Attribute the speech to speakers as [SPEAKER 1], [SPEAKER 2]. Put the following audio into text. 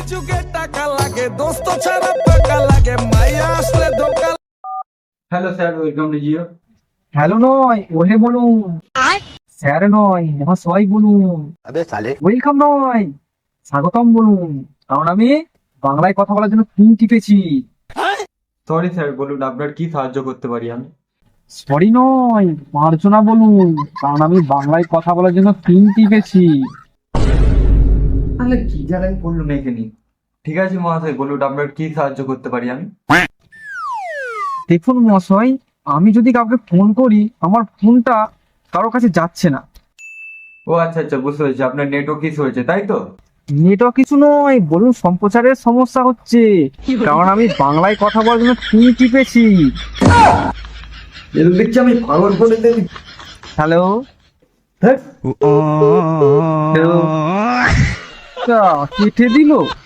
[SPEAKER 1] যুগে টাকা লাগে, দোস্ত ছাড়া পাকা লাগে, মাইয়া আসলে ধোকা।
[SPEAKER 2] Hello sir, welcome to Jio.
[SPEAKER 3] Hello নয়, ওহে বলুন। স্যার নয়, মহাশয় বলুন। ওয়েলকাম নয়, স্বাগতম বলুন। কারণ আমি বাংলায় কথা বলার জন্য পিন টিপেছি।
[SPEAKER 2] সরি স্যার, বলুন আপনার কি সাহায্য করতে পারি আমি?
[SPEAKER 3] সরি নয়, মার্জনা বলুন। কারণ আমি বাংলায় কথা বলার জন্য পিন টিপেছি।
[SPEAKER 2] তাহলে কি জানেন বলুন এখানে। ঠিক আছে মহাশয়, বলুন আপনার কি সাহায্য করতে পারি আমি?
[SPEAKER 3] দেখুন মহাশয়, আমি যদি কাউকে ফোন করি, আমার ফোনটা কারোর কাছে যাচ্ছে না।
[SPEAKER 2] ও আচ্ছা আচ্ছা, বুঝতে পেরেছি, আপনার নেটওয়ার্ক ইস্যু হয়েছে তাই তো?
[SPEAKER 3] নেটওয়ার্ক কিছু নয়, বলুন সম্প্রচারের সমস্যা হচ্ছে। কারণ আমি বাংলায় কথা বলার জন্য পিন টিপেছি।
[SPEAKER 2] এর দেখছি আমি পাগল করে দেবি।
[SPEAKER 3] হ্যালো,
[SPEAKER 2] হ্যাঁ
[SPEAKER 3] কেটে দিল।